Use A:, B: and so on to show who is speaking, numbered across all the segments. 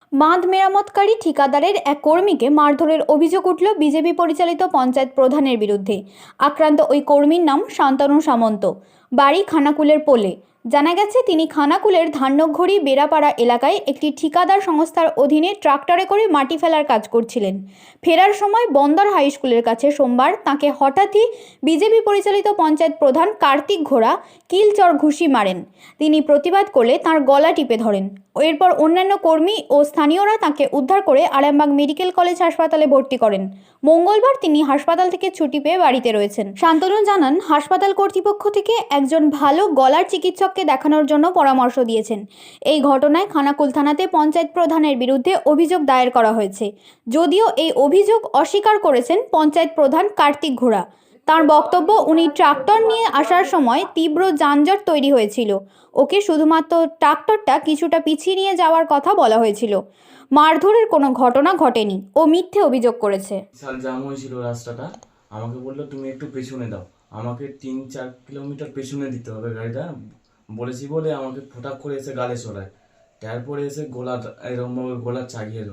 A: বাঁধ মেরামতকারী ঠিকাদারের এক কর্মীকে মারধরের অভিযোগ উঠল বিজেপি পরিচালিত পঞ্চায়েত প্রধানের বিরুদ্ধে। আক্রান্ত ওই কর্মীর নাম শান্তনু সামন্ত, বাড়ি খানাকুলের পোলে। জানা গেছে, তিনি খানাকুলের ধান্যঘড়ি বেড়াপাড়া এলাকায় একটি ঠিকাদার সংস্থার অধীনে ট্রাক্টরে করে মাটি ফেলার কাজ করছিলেন। ফেরার সময় বন্দর হাই স্কুলের কাছে সোমবার তাঁকে হঠাৎই বিজেপি পরিচালিত পঞ্চায়েত প্রধান কার্তিক ঘোড়া কিল-চড় ঘুষি মারেন। তিনি প্রতিবাদ করলে তাঁর গলা টিপে ধরেন। এরপর অন্যান্য কর্মী ও স্থানীয়রা তাঁকে উদ্ধার করে আরামবাগ মেডিকেল কলেজ হাসপাতালে ভর্তি করেন। মঙ্গলবার তিনি হাসপাতাল থেকে ছুটি পেয়ে বাড়িতে রয়েছেন। শান্তনু জানান, হাসপাতাল কর্তৃপক্ষ থেকে একজন ভালো গলার চিকিৎসককে দেখানোর জন্য পরামর্শ দিয়েছেন। এই ঘটনায় খানাকুল থানাতে পঞ্চায়েত প্রধানের বিরুদ্ধে অভিযোগ দায়ের করা হয়েছে। যদিও এই অভিযোগ অস্বীকার করেছেন পঞ্চায়েত প্রধান কার্তিক ঘোড়া। তার বক্তব্য, উনি ট্রাক্টর নিয়ে আসার সময় তীব্র যানজট তৈরি হয়েছিল। ওকে শুধুমাত্র ট্রাক্টরটা কিছুটা পিছিয়ে নিয়ে যাওয়ার কথা বলা হয়েছিল। মারধরের কোনো ঘটনা ঘটেনি। ও মিথ্যে অভিযোগ করেছে।
B: বিশাল জাম হয়েছিল রাস্তাটা। আমাকে বললো তুমি একটু পেছনে দাও, আমাকে 3-4 কিলোমিটার পেছনে দিতে হবে গাড়িটা। বলেছি বলে আমাকে ফটাক করে এসে গালে চড়ায়। তারপরে এসে এরকমভাবে গলা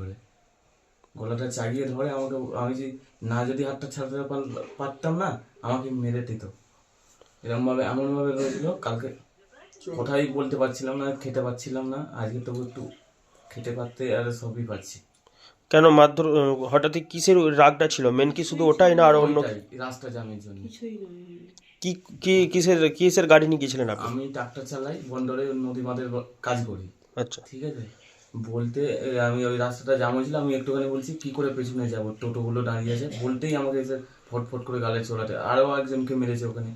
B: চাগিয়ে ধরে আমাকে। আমি যদি হাতটা ছাড়তে পারতাম না, আমাকে মেরে দিত। এরকমভাবে এমনভাবে রয়েছিল। কালকে কোথায় বলতে পারছিলাম না, খেতে পাচ্ছিলাম না। আজকে তবু একটু খেতে পারতে আর সবই পাচ্ছি।
C: কেন মারধর? হঠাৎই কিসের রাগটা ছিল? মেন কি শুধু ওটাই না আর অন্য?
B: রাস্তা জামের জন্য।
C: কি কি কিসের গাড়ি নিয়ে গিয়েছিলেন আপনি?
B: আমি ট্রাক্টর চালাই, বন্দরে নদী বাঁধের কাজ করি।
C: আচ্ছা,
B: ঠিক আছে। বলতে আমি ওই রাস্তাটা জাম হয়েছিল, আমি একটুখানি বলছি কি করে পেছনে যাবো, টোটোগুলো দাঁড়িয়ে আছে। বলতেই আমাকে এসে ফটফট করে গালে চড়াতে। আরও একজনকে মেরেছে ওখানে।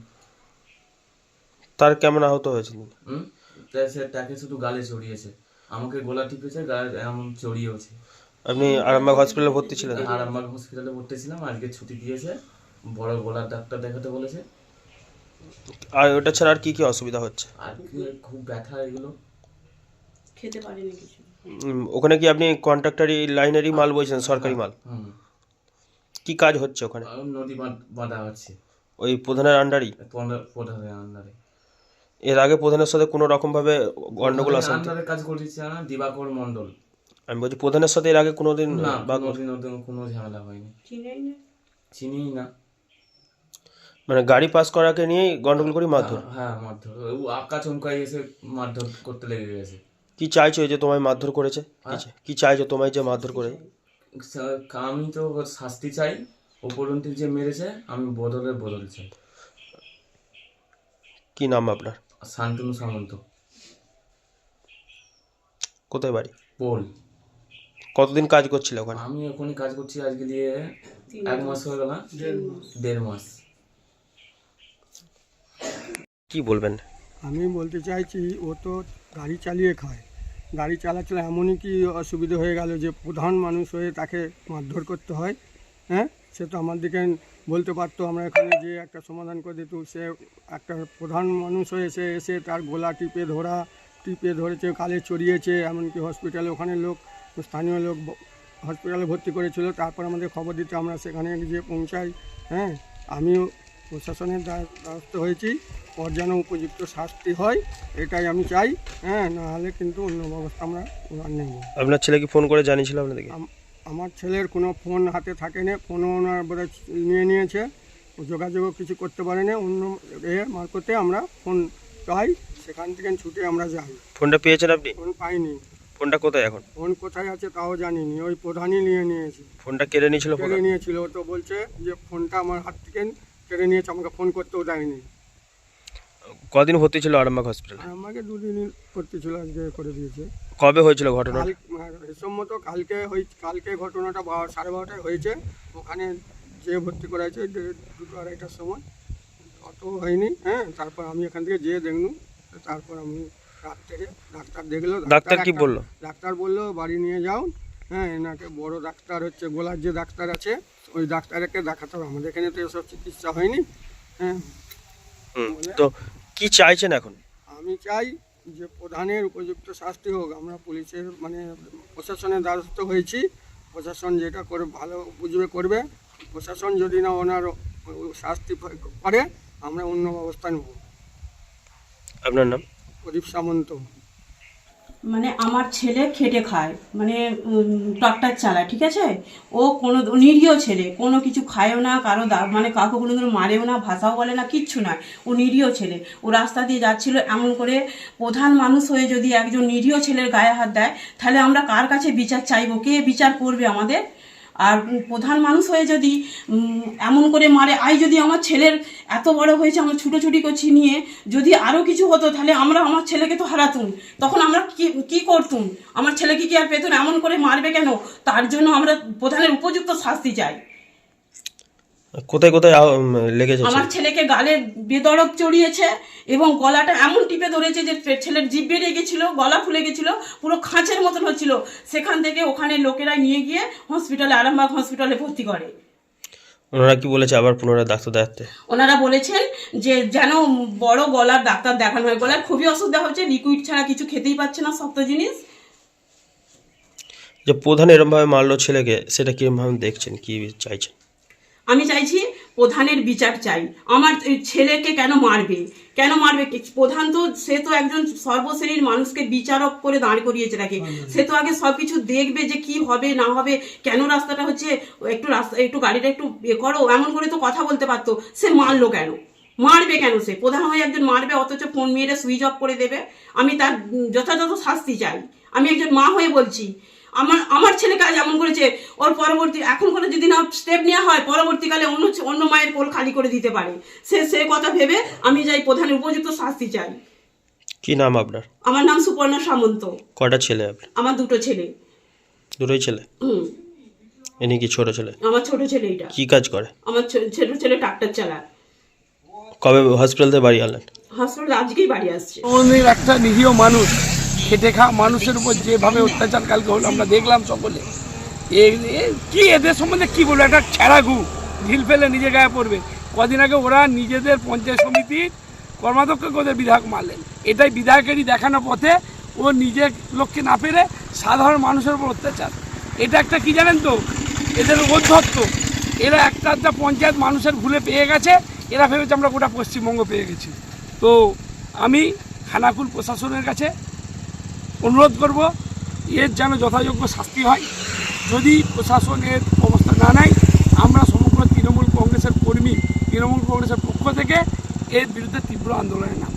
C: তার কেমন আহত হয়েছিল?
B: সে তাকে শুধু গালে চড়িয়েছে, আমাকে গলা টিপেছে, গালে এমন চড়িয়েছে।
C: আপনি আরামবাগ হসপিটালে ভর্তি ছিলেন?
B: আরামবাগ হসপিটালে ভর্তি ছিলাম। আজকে ছুটি দিয়েছে, বড় গলার ডাক্তার দেখাতে বলেছে।
C: আর ওটা ছাড়া আর কি কি অসুবিধা হচ্ছে?
B: আর খুব ব্যথা, এগুলো
D: খেতে পারিনি কিছু।
C: ওখানে কি আপনি কন্ট্রাক্টরি লাইনেরই মাল বলছেন, সরকারি মাল? কি কাজ হচ্ছে ওখানে?
B: নদী বাঁধা হচ্ছে
C: ওই প্রধানের আন্ডারই?
B: প্রধানের আন্ডারে।
C: এর আগে প্রধানের সাথে কোনো রকম ভাবে গন্ডগোল আছে?
B: আন্ডারে কাজ করছে না, দিবাকর মন্ডল।
C: আমি বলছি প্রধানের সাথে এর আগে কোনোদিন
B: কোনো ঝামেলা হয়নি, চিনি না।
C: মানে গাড়ি পাস করাকে নিয়ে গন্ডগোল করি মারধর?
B: হ্যাঁ, মারধর। আঁকা চমকাই এসে মারধর করতে লেগে গেছে।
C: কি চাইছো এই যে তোমায় মারধর করেছে? কি চাইছো তোমায় যে মারধর করে?
B: আমি তো শাস্তি চাই। উপরন্তু যে মেরেছে, আমি বদল চাই।
C: কি নাম আপনার?
B: শান্তনু সামন্ত।
C: কোথায় বাড়ি?
B: পোল।
C: কতদিন কাজ করছিল ওখানে?
B: আমি ওখানে কাজ করছি আজকে দিয়ে 1 মাস হয়ে গেল। 1.5 মাস।
C: কি বলবেন?
E: আমি বলতে চাইছি, ও তো গাড়ি চালিয়ে খায়। গাড়ি চালাচ্ছিল, এমনই কি অসুবিধা হয়ে গেল যে প্রধান মানুষ হয়ে তাকে মারধর করতে হয়? হ্যাঁ, সে তো আমাদেরকে বলতে পারতো, আমরা এখানে যে একটা সমাধান করে দিত। সে একটা প্রধান মানুষ হয়ে এসে তার গলা টিপে ধরেছে, কালে চড়িয়েছে। এমনকি হসপিটালে ওখানে স্থানীয় লোক হসপিটালে ভর্তি করেছিল। তারপর আমাদের খবর দিতে আমরা সেখানে গিয়ে পৌঁছাই। হ্যাঁ, আমিও প্রশাসনের দ্বারস্থ হয়েছি। ওর যেন উপযুক্ত শাস্তি হয়, এটাই আমি চাই। হ্যাঁ, নাহলে কিন্তু অন্য ব্যবস্থা আমরা নেব।
C: আপনার ছেলে কি ফোন করে জানিয়েছিল আপনাদেরকে?
E: আমার ছেলের কোনো ফোন হাতে থাকে না, ফোনও ওনার বোধহয় নিয়েছে। ও যোগাযোগও কিছু করতে পারেনি। অন্য মারফতে আমরা ফোন পাই, সেখান থেকে ছুটে আমরা যাই।
C: ফোনটা পেয়েছেন আপনি?
E: ফোন পাইনি।
C: ফোনটা কোথায় এখন?
E: ফোন কোথায় আছে তাও জানিনি, ওই প্রধানই নিয়েছে।
C: ফোনটা কেড়ে নিয়েছিল?
E: ও তো বলছে যে ফোনটা আমার হাত থেকে কেড়ে নিয়েছে, আমাকে ফোন করতেও দেয়নি।
C: কদিন ভর্তি ছিল আরামবাগ হসপিটালে?
E: আমাকে 2 দিন ভর্তি ছিল, আজকে করে দিয়েছে।
C: কবে হয়েছিল ঘটনা?
E: সম্মত কালকে ঘটনাটা 12:30টায় হয়েছে। ওখানে যে ভর্তি করা হয়েছে 2-2:30টার সময়, অত হয়নি। হ্যাঁ, তারপর আমি এখান থেকে যেয়ে দেখলু। তারপর আমি রাত থেকে ডাক্তার দেখলো।
C: ডাক্তার কি বললো?
E: ডাক্তার বললো বাড়ি নিয়ে যাও। হ্যাঁ, এনাকে বড় ডাক্তার হচ্ছে গোলার যে ডাক্তার আছে, ওই ডাক্তারকে দেখাতে হবে। আমাদের এখানে তো এসব চিকিৎসা হয়নি। হ্যাঁ,
C: তো কি চাইছেন এখন?
E: আমি চাই যে প্রধানের উপযুক্ত শাস্তি হোক। আমরা পুলিশের প্রশাসনের দ্বারস্থ হয়েছি। প্রশাসন যেটা করে ভালো বুঝবে করবে। প্রশাসন যদি না ওনার শাস্তি করে, আমরা অন্য ব্যবস্থা নেব।
C: আপনার নাম?
E: প্রদীপ সামন্ত।
D: মানে আমার ছেলে খেটে খায়, মানে ট্রাক্টর চালায়, ঠিক আছে। ও কোনো নিরীহ ছেলে, কোনো কিছু খায়ও না, কারো মানে কাউকে কোনোদিন মারেও না, ভাষাও বলে না, কিচ্ছু না। ও নিরীহ ছেলে। ও রাস্তা দিয়ে যাচ্ছিল, এমন করে প্রধান মানুষ হয়ে যদি একজন নিরীহ ছেলের গায়ে হাত দেয়, তাহলে আমরা কার কাছে বিচার চাইবো? কে বিচার করবে আমাদের? আর প্রধান মানুষ হয়ে যদি এমন করে মারে, যদি আমার ছেলের এত বড় হয়েছে, আমরা ছুটোছুটি করছি নিয়ে, যদি আরও কিছু হতো, তাহলে আমার ছেলেকে তো হারাতুম, তখন আমরা কি করতুম? আমার ছেলেকে কি আর পেতুন? এমন করে মারবে কেন? তার জন্য আমরা প্রধানের উপযুক্ত শাস্তি চাই।
C: কোথায় কোথায় লেগেছে?
D: আমার ছেলেকে গালে বেদরক চড়িয়েছে এবং গলাটা এমন টিপে ধরেছে যে ছেলের জিভ বেরিয়ে গেছিল, গলা ফুলে গেছিল, পুরো খাঁচের মতন হচ্ছিল। সেখান থেকে ওখানে লোকেরা নিয়ে গিয়ে হসপিটালে, আরামবাগ হসপিটালে ভর্তি করে।
C: ওনারা কি বলেছে আবার পুনরায় ডাক্তার দেখাতে?
D: ওনারা বলেছেন যে যেন বড় গলার ডাক্তার দেখানো হয়। গলার খুবই অসুবিধা হচ্ছে, লিকুইড ছাড়া কিছু খেতেই পাচ্ছে না, শক্ত জিনিস।
C: যে প্রধান এরমভাবে মারলো ছেলেকে, সেটা কিরমভাবে দেখছেন, কি চাইছেন?
D: আমি চাইছি প্রধানের বিচার চাই। আমার ছেলেকে কেন মারবে? প্রধান তো, সে তো একজন সর্বশ্রেণীর মানুষকে বিচারক করে দাঁড় করিয়েছে রাখে। সে তো আগে সবকিছু দেখবে যে কি হবে না হবে, কেন রাস্তাটা হচ্ছে, একটু গাড়িটা একটু করো, এমন করে তো কথা বলতে পারতো। সে মারলো কেন? মারবে কেন? সে প্রধান হয়ে একজন মারবে, অথচ ফোন মেরে সুইচ অফ করে দেবে। আমি তার যথাযথ শাস্তি চাই। আমি একজন মা হয়ে বলছি, আমার ছেলে কাজ এমন করেছে, ওর পরবর্তী এখন করে যদি না স্টেপ নেওয়া হয়, পরবর্তীকালে অন্য মায়ের কোল খালি করে দিতে পারে। সে কথা ভেবে আমি যাই প্রধানের উপযুক্ত শাস্তি চাই।
C: কি নাম আপনার?
D: আমার নাম সুপর্ণা সামন্ত।
C: কটা ছেলে আপনার?
D: আমার দুটো ছেলে।
C: দুটোই ছেলে? ইনি কি ছোট ছেলে?
D: আমার ছোট ছেলে। এটা
C: কি কাজ করে?
D: আমার ছোট ছেলে ট্রাক্টর চালায়।
C: কবে হসপিটাল থেকে বাড়ি আনলেন?
D: হসপিটাল আজকেই বাড়ি আসছে।
E: আমাদের একটা নিরীহ মানুষ, খেটে খাওয়া মানুষের উপর যেভাবে অত্যাচার কালকে হলো আমরা দেখলাম সকলে। কি এদের সম্বন্ধে কি বলবো? একটা ছেঁড়া গু ঢিল ফেলে নিজে গায়ে পড়বে। কদিন আগে ওরা নিজেদের পঞ্চায়েত সমিতির কর্মাধ্যক্ষকে ওদের বিধায়ক মারলেন। এটাই বিধায়কেরই দেখানো পথে ও নিজের লোককে না পেরে সাধারণ মানুষের উপর অত্যাচার। এটা একটা কি জানেন তো, এদের অধ্যত্ত। এরা একটা পঞ্চায়েত মানুষের ভুলে পেয়ে গেছে, এরা ভেবেছে আমরা গোটা পশ্চিমবঙ্গ পেয়ে গেছি। তো আমি খানাকুল প্রশাসনের কাছে অনুরোধ করব, এর যেন যথাযোগ্য শাস্তি হয়। যদি প্রশাসনের অবস্থা না নেয়, আমরা সমগ্র তৃণমূল কংগ্রেসের কর্মী, তৃণমূল কংগ্রেসের পক্ষ থেকে এর বিরুদ্ধে তীব্র আন্দোলনের নাম।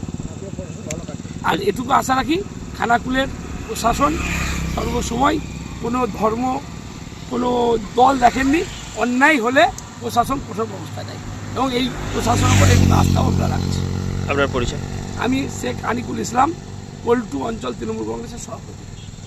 E: আর এটুকু আশা রাখি, খানাকুলের প্রশাসন সর্বসময় কোনো ধর্ম, কোনো দল দেখেননি। অন্যায় হলে প্রশাসন কঠোর ব্যবস্থা নেয় এবং এই প্রশাসনের উপর একটু আস্থাও আমরা রাখছি।
C: আপনার পরিচয়?
E: আমি শেখ আনিকুল ইসলাম, পল্টু অঞ্চল তৃণমূল কংগ্রেসের সভাপতি।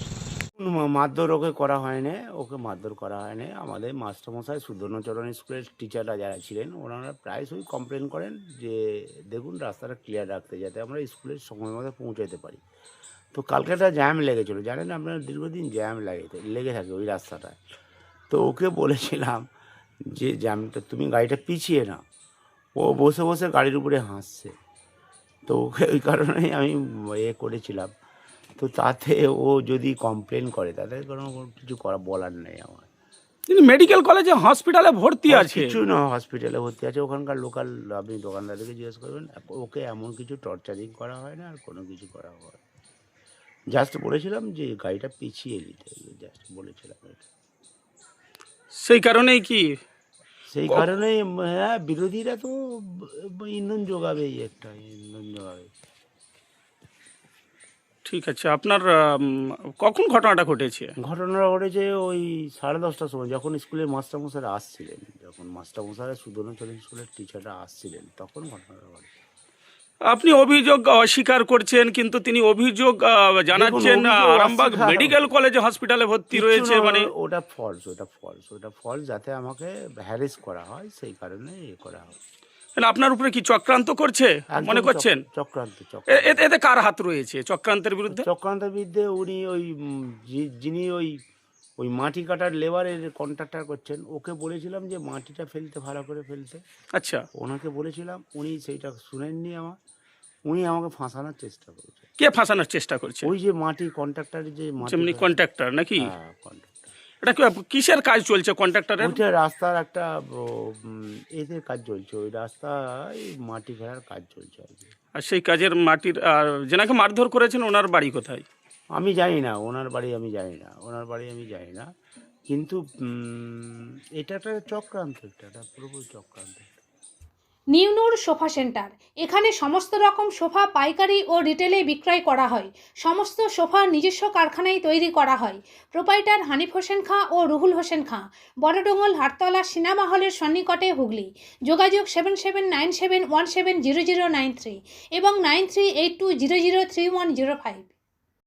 F: মারধর ওকে করা হয়নি, ওকে মারধর করা হয়নি। আমাদের মাস্টারমশাই সুধর্ণচরণ স্কুলের টিচাররা যারা ছিলেন, ওনারা প্রায়শই কমপ্লেন করেন যে দেখুন রাস্তাটা ক্লিয়ার রাখতে, যাতে আমরা স্কুলের সময় মতো পৌঁছাতে পারি। তো কালকে একটা জ্যাম লেগেছিলো, জানেন আপনার, দীর্ঘদিন জ্যাম লেগে থাকে ওই রাস্তাটায়। তো ওকে বলেছিলাম যে জ্যামটা তুমি গাড়িটা পিছিয়ে না। ও বসে বসে গাড়ির উপরে হাসছে। তো ওকে ওই কারণেই আমি করেছিলাম। তো তাতে ও যদি কমপ্লেন করে, তাতে কোনো কিছু বলার নেই আমার।
G: কিন্তু মেডিকেল কলেজে হসপিটালে ভর্তি আছে।
F: কিছু না, হসপিটালে ভর্তি আছে। ওখানকার লোকাল, আপনি দোকানদারদেরকে জিজ্ঞেস করবেন, ওকে এমন কিছু টর্চারিং করা হয় না, আর কোনো কিছু করা হয়। জাস্ট বলেছিলাম যে গাড়িটা পিছিয়ে নিতে, জাস্ট বলেছিলাম এটা।
G: সেই কারণেই কি
F: সেই কারণেই হ্যাঁ, বিরোধীরা তো ইন্ধন যোগাবে, ইন্ধন যোগাবে।
G: ঠিক আছে, আপনার কখন ঘটনাটা ঘটেছে?
F: ঘটনাটা ঘটেছে ওই 10:30টার সময়, যখন স্কুলের মাস্টারমশাইরা আসছিলেন, যখন মাস্টারমশাইরা সুধর্ণচরণ স্কুলের টিচাররা আসছিলেন, তখন ঘটনাটা ঘটে।
G: আপনি অভিযোগ অস্বীকার করছেন, কিন্তু তিনি অভিযোগ জানাচ্ছেন
F: অভিযোগ
G: আরামবাগ
F: অস্বীকার-
G: মেডিকেল কলেজে হসপিটালে ভর্তি রয়েছে। মানে
F: ওটা ফলস, যাতে আমাকে হ্যারেস করা হয়, সেই কারণে করা হয়।
G: মানে আপনার উপরে কি চক্রান্ত করছে
F: একদম
G: মনে করছেন?
F: চক্রান্ত।
G: এতে কার হাত রয়েছে চক্রান্তের বিরুদ্ধে?
F: চক্রান্তের বিরুদ্ধে উনি ওই যিনি ওই মাটি কাটার লেবারের কন্ট্রাক্টর করছেন, ওকে বলেছিলাম যে মাটিটা ফেলতে, ভালো করে ফেলতে।
G: আচ্ছা,
F: ওনাকে বলেছিলাম, উনি সেইটা শুনেননি উনি আমাকে ফাঁসানোর চেষ্টা করেছে।
G: কে ফাঁসানোর চেষ্টা করছে?
F: ওই যে মাটি কন্ট্রাক্টরের যে
G: যেমনি কন্ট্রাক্টর নাকি?
F: হ্যাঁ, কন্ট্রাক্টর।
G: এটা কিসের কাজ চলছে কন্ট্রাক্টরের?
F: ওইটা রাস্তার একটা এদের কাজ চলছে, ওই রাস্তায় মাটি ঘেরার কাজ চলছে আর কি।
G: আর সেই কাজের মাটির যেনাকে মারধর করেছেন ওনার বাড়ি কোথায়?
F: আমি জানি না ওনার বাড়ি, আমি জানি না, কিন্তু এটা একটা চক্রান্ত, একটা পুরোপুরি চক্রান্ত।
H: নিউনুর সোফা সেন্টার, এখানে সমস্ত রকম সোফা পাইকারি ও রিটেলে বিক্রয় করা হয়। সমস্ত সোফা নিজস্ব কারখানায় তৈরি করা হয়। প্রোপাইটার হানিফ হোসেন খাঁ ও রুহুল হোসেন খাঁ, বড়ডোঙ্গল হাটতলা সিনেমা হলের সন্নিকটে, হুগলি। যোগাযোগ 7797170093 এবং 9382003105।